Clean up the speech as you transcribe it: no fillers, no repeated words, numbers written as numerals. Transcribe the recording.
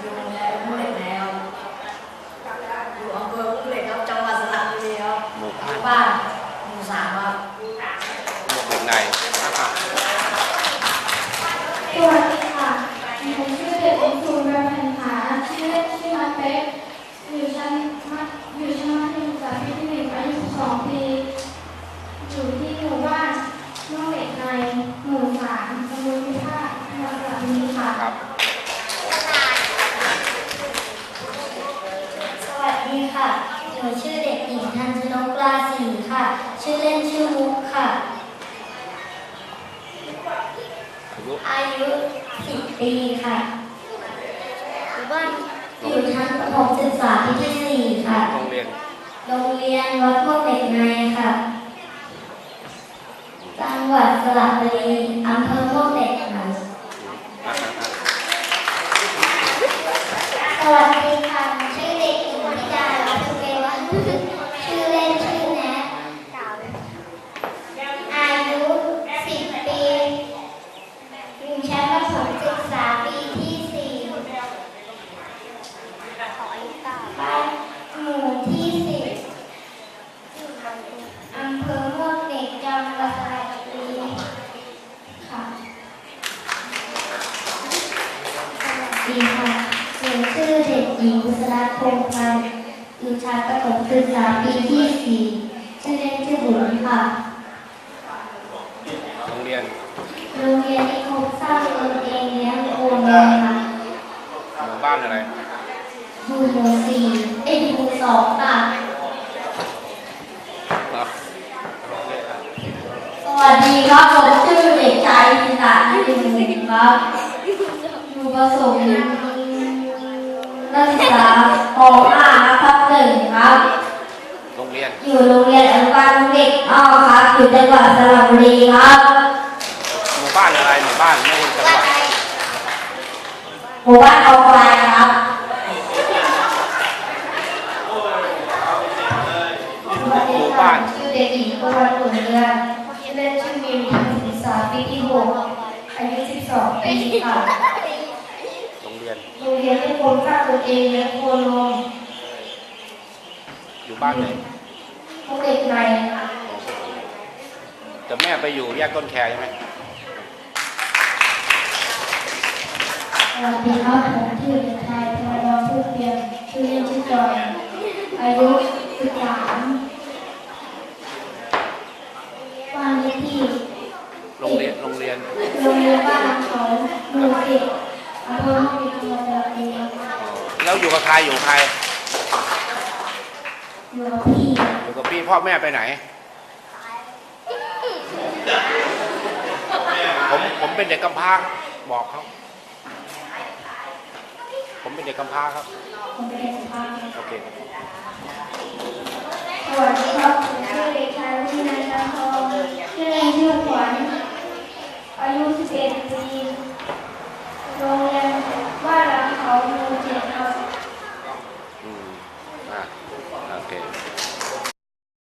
อยู่โรงเรียนมุ่งเหล็กแล้วอยู่อำเภอมุ่งเหล็กครับจังหวัดสระบุรีครับหมู่บ้านหมู่3ครับเด็กในนะครับสวัสดีค่ะผมชื่อเด็กหญิงสุรพันธ์ผาชื่อเล่นชื่อน้องเป๊กอยู่ชั้นมัธยมศึกษาปีที่1อายุ12 ปีอยู่ที่หมู่บ้านม่วงเหล็กในหมู่3ตำบลพิพาทจังหวัดสระบุรีค่ะสวัสดีค่ะหนูชื่อเด็กหญิงทันชนกกลาศรีค่ะชื่อเล่นชื่อมุกค่ะอายุ10 ปีค่ะอยู่ชั้นประถมศึกษาปีที่4ค่ะโรงเรียนวัดม่วงเหล็กในค่ะจังหวัดสระบุรีอำเภอม่วงเหล็กค่ะสวัสดีค่ะชื่อเด็กหญิงธิดาลัตน์เกวัฒน์ชื่อเล่นชื่อแนทอายุ10 ปีอยู่ชั้นประถมศึกษาปีที่4บ้านหมู่ที่10อำเภอม่วงเหล็กจังหวัดสระบุรีค่ะสวัสดีค่ะหนูชื่อเด็กหญิงบุษราคงพันธ์อยู่ชั้นประถมศึกษาปีที่4ชื่อเล่นชื่อบุ๋มค่ะโรงเรียนนิคมสร้างตนเองเลี้ยงโคนค่ะหมู่บ้านอะไรอยู่หมู่4หมู่2ค่ะสวัสดีครับผมชื่อเด็กชายศิษย์นิติมุขครับอยู่ประสมนักศึกษาป .5 ครับ1ครับโรงเรียนอยู่โรงเรียนอนุบาลเด็กอ้อครับอยู่จังหวัดสระบุรีครับหมู่บ้านอะไรหมู่บ้านไม่ใช่จังหวัดหมู่บ้านเอาควายครับหมู่บ้านชื่อเด็กหญิงประวัติผลเรือนชื่อเล่นชื่อมิวทันศึกษาปีที่6อายุ12 ปีค่ะโรงเรียนที่คนสร้างตนเองเลี้ยงโคนมอยู่บ้านไหนพวกเด็กในแต่แม่ไปอยู่แยกต้นแคใช่ไหมสวัสดีครับผมชื่อเด็กชายธนวัฒน์ผู้เพียรชื่อเล่นชื่อจอยอายุ13บ้านเลขที่โรงเรียนบ้านเขาหมู่10อำเภอห้องเด็กจังหวัดสระบุรีแล้วอยู่กับใครอยู่กับพี่พ่อแม่ไปไหนผมเป็นเด็กกำพร้าบอกเขาผมเป็นเด็กกำพร้าครับโอเคสวัสดีครับชื่อเด็กชายวินัยจันทร์ทองชื่อเล่นชื่อขวัญอายุ11 ปี